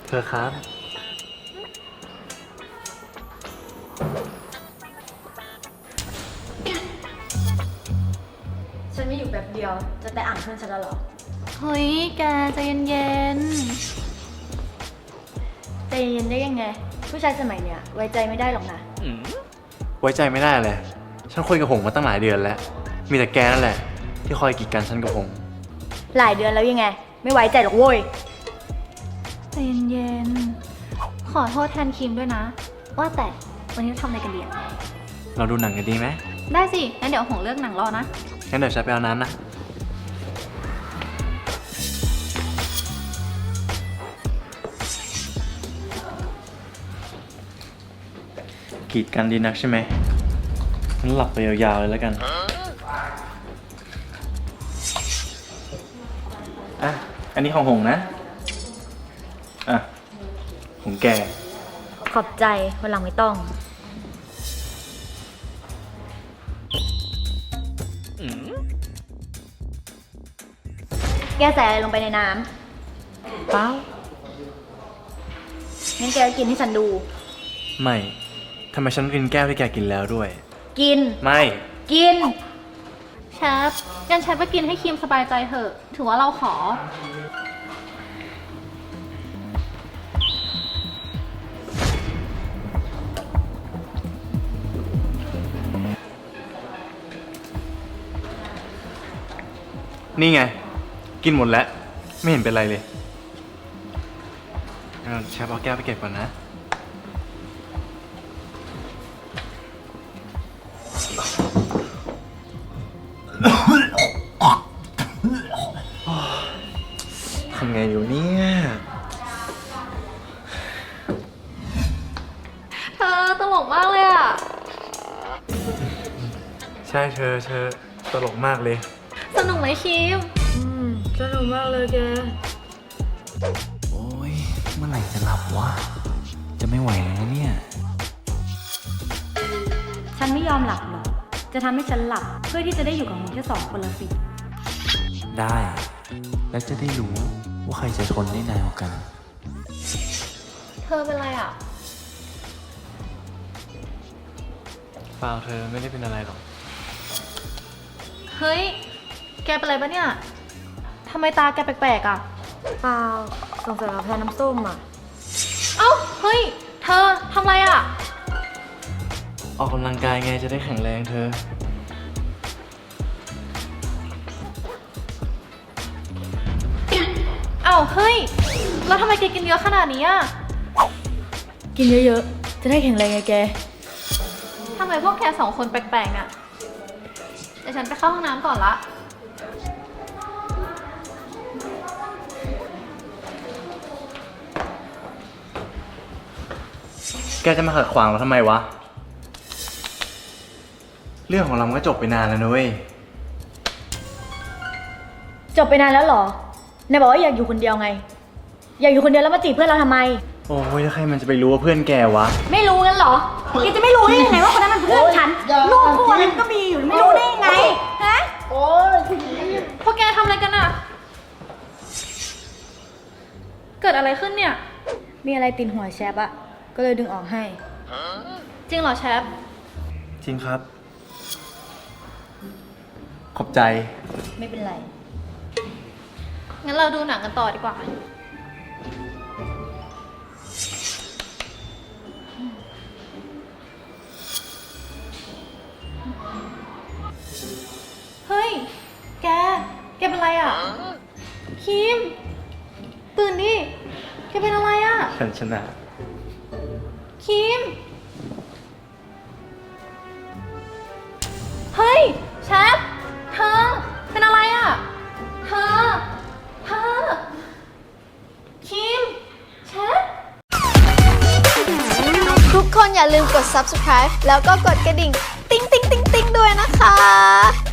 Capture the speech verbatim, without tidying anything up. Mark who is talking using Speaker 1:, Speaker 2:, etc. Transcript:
Speaker 1: เธอครับ
Speaker 2: ฉันไม่อยู่แบบเดียวจะไปอ่านเพื่อนฉันแล้วหรอ
Speaker 3: เฮ้ยแกใจเย็น
Speaker 2: ใจเย็นได้ยังไงผู้ชายสมัยเนี้ยไว้ใจไม่ได้หรอกนะ
Speaker 1: ไว้ใจไม่ได้เลยฉันคุยกับหงมาตั้งหลายเดือนแล้วมีแต่แกนั่นแหละที่คอยกีดกันฉันกับหง
Speaker 2: หลายเดือนแล้วยังไงไม่ไว้ใจหรอกโว้ย
Speaker 3: ใจเย็นๆขอโทษแทนคิมด้วยนะว่าแต่วันนี้เราทำอะไรกันดีอะ
Speaker 1: เราดูหนังกันดีไหม
Speaker 3: ได้สิงั้นเดี๋ยวหงเลือกหนังรอนะ
Speaker 1: งั้นเดี๋ยวฉันไปเอาน้ำนะกีดกันดีนักใช่ไหมงั้นหลับไปยาวๆเลยแล้วกันอ่ะอันนี้ของหงนะอ่ะของแก
Speaker 2: ขอบใจวันหลังไม่ต้องแกใส่อะไรลงไปในน้ำ
Speaker 1: เปล่า
Speaker 2: งั้นแกกินให้ฉันดู
Speaker 1: ไม่ทำไมฉันกินแก้วที่แกกินแล้วด้วย
Speaker 2: กิน
Speaker 1: ไม่
Speaker 2: กิน
Speaker 3: เชฟงั้นเชฟไปกินให้คิมสบายใจเถอะถือว่าเราขอ
Speaker 1: นี่ไงกินหมดแล้วไม่เห็นเป็นไรเลยเชฟเอาแก้วไปเก็บก่อนนะทำไงอยู่เนี่ย
Speaker 3: เธอตลกมากเลยอ่ะ
Speaker 1: ใช่เธอเธอตลกมากเลย
Speaker 3: สนุกไหมคิม
Speaker 2: อืมสนุกมากเลยแก
Speaker 1: โอ้ยเมื่อไหร่จะหลับวะจะไม่ไหวแล้วเนี่ย
Speaker 2: ฉันไม่ยอมหลับหรอกจะทำให้ฉันหลับเพื่อที่จะได้อยู่กับมึงแค่สองคนละสิ
Speaker 1: ได้แล้วจะได้รู้ว่าใครจะทนได้นานกว่ากัน
Speaker 3: เธอเป็นไรอ่ะ
Speaker 1: เปล่าเธอไม่ได้เป็นอะไรหรอก
Speaker 3: เฮ้ยแกเป็นไรปะเนี่ยทำไมตาแกแปลกๆอ่ะ
Speaker 2: เปล่าสงสัยเราแพ้น้ำส้มอ่ะ
Speaker 3: เอ้าเฮ้ยเธอทำไรอ่ะ
Speaker 1: ออกกำลังกายไงจะได้แข็งแรงเธอ
Speaker 3: เอ้าเฮ้ยแล้วทำไมแกกินเยอะขนาดนี้อ่ะ
Speaker 2: กินเยอะๆจะได้แข็งแรงไงแก
Speaker 3: ทำไมพวกแกสองคนแปลกๆอ่ะเดี๋ยวฉันไปเข้าห้องน้ำก่อนละ
Speaker 1: แกจะมาขัดขวางเราทำไมวะเรื่องของเราก็จบไปนานแล้วนะเว้ย
Speaker 2: จบไปนานแล้วเหรอไหนบอกว่าอยากอยู่คนเดียวไงอยากอยู่คนเดียวแล้วมาจีบเพื่อนเราทำไม
Speaker 1: โอ้ยแล้วใครมันจะไปรู้ว่าเพื่อนแกวะ
Speaker 2: ไม่รู้งั้นเหรอแกจะไม่รู้ได้ยังไงว่าคนนั้นมันเพื่อนฉันลูกคู่นั้นก็มีอยู่ไม่รู้ได้ยังไงฮะ
Speaker 3: โอ้ยพวกแกทำอะไรกันอ่ะเกิดอะไรขึ้นเนี่ย
Speaker 2: มีอะไรติดหัวแชปอะก็เลยดึงออกให้
Speaker 3: จริงเหรอแชป
Speaker 1: จริงครับขอบใจ
Speaker 2: ไม่เป็นไร
Speaker 3: งั้นเราดูหนังกันต่อดีกว่าเฮ้ยแกแกเป็นไรอ่ะคิมตื่นดิแกเป็นอะไรอ่ะ
Speaker 1: ฉันชนะ
Speaker 3: คิมเฮ้ยแชปเธอเป็นอะไรอ่ะเธอเธอคิมแชป
Speaker 4: ทุกคนอย่าลืมกด ซับสไครบ์ แล้วก็กดกระดิ่งติ๊งติ๊งติ๊งติ๊งด้วยนะคะ